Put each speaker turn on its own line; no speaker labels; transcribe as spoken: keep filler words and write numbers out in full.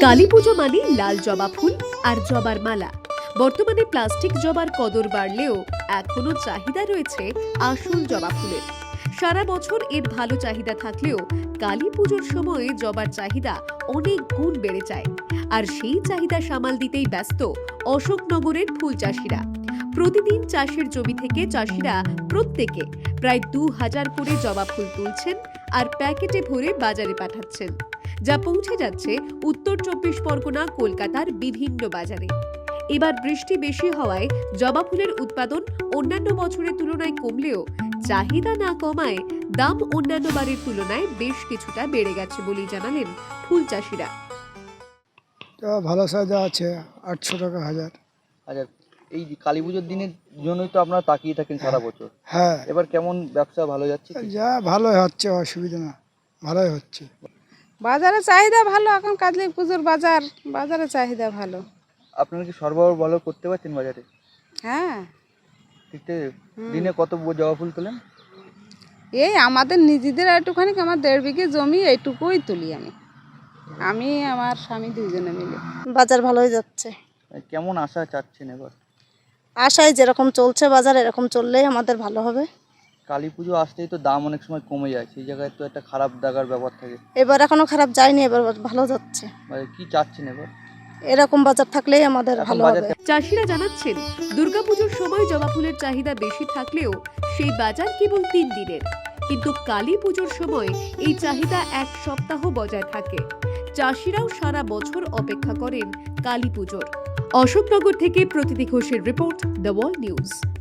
কালী পুজো মানে লাল জবা ফুল আর জবার মালা। বর্তমানে প্লাস্টিক জবার কদর বাড়লেও এখনো চাহিদা রয়েছে আসল জবা ফুলের। সারা বছর এর ভালো চাহিদা থাকলেও কালী পুজোর সময়ে জবার চাহিদা অনেক গুণ বেড়ে যায়। আর সেই চাহিদা সামাল দিতেই ব্যস্ত অশোকনগরের ফুল চাষিরা। প্রতিদিন চাষের জমি থেকে চাষিরা প্রত্যেকে প্রায় দু হাজার করে জবা ফুল তুলছেন আর প্যাকেটে ভরে বাজারে পাঠাচ্ছেন, যা পৌঁছে যাচ্ছে উত্তর চব্বিশ পরগনা, কলকাতার বিভিন্ন বাজারে। এবার বৃষ্টি বেশি হওয়ায় জবা ফুলের উৎপাদন অন্যান্য বছরের তুলনায় কমলেও চাহিদা না কমায় দাম অন্যান্য বারের তুলনায় বেশ কিছুটা বেড়ে গেছে বলেই জানালেন ফুল চাষিরা।
ভালো সাইজা আছে আটশো টাকা হাজার।
আচ্ছা, এই কালী পুজোর দিনের জন্যই তো আপনারা তাকিয়ে থাকেন সারা বছর।
হ্যাঁ,
এবার কেমন ব্যবসা ভালো যাচ্ছে?
যা ভালোই হচ্ছে, অসুবিধা না, ভালোই হচ্ছে।
বাজারে চাহিদা ভালো, এখন কালী পুজোর বাজার, বাজারে চাহিদা ভালো।
আপনারা কি সরবরাহ ভালো করতে পারছেন বাজারে?
হ্যাঁ,
ঠিক আছে। দিনে কত জবা ফুল তোলেন?
এই আমাদের নিজেদের একটুখানি, আমার দেড় বিঘে জমি, এইটুকুই তুলি আমি আমি আমার স্বামী দুইজনে মিলে।
বাজার ভালোই যাচ্ছে।
কেমন আশা চাচ্ছেন এবার?
আশায় যেরকম চলছে বাজার, এরকম চললেই আমাদের ভালো হবে।
কালী পুজো আসতেই তো দাম অনেক সময় কমে যায়, সেই জায়গায় তো একটা খারাপ দাগার ব্যাপার থাকে।
এবার এখনো খারাপ যায়নি, এবার ভালো যাচ্ছে।
মানে কি চাচ্ছেন এবার?
এরকম বাজার থাকলেই আমাদের
এখন
ভালো
বাজার
হবে।
চাষিরা জানাচ্ছেন, দুর্গাপুজোর সময় জবা ফুলের চাহিদা বেশি থাকলেও সেই বাজার কেবল তিন দিনের, কিন্তু কালী পুজোর সময় এই চাহিদা এক সপ্তাহ বজায় থাকে। চাষিরাও সারা বছর অপেক্ষা করেন কালী পুজোর। অশোকনগর থেকে প্রতীতি ঘোষের রিপোর্ট, দ্য ওয়ার্ল্ড নিউজ।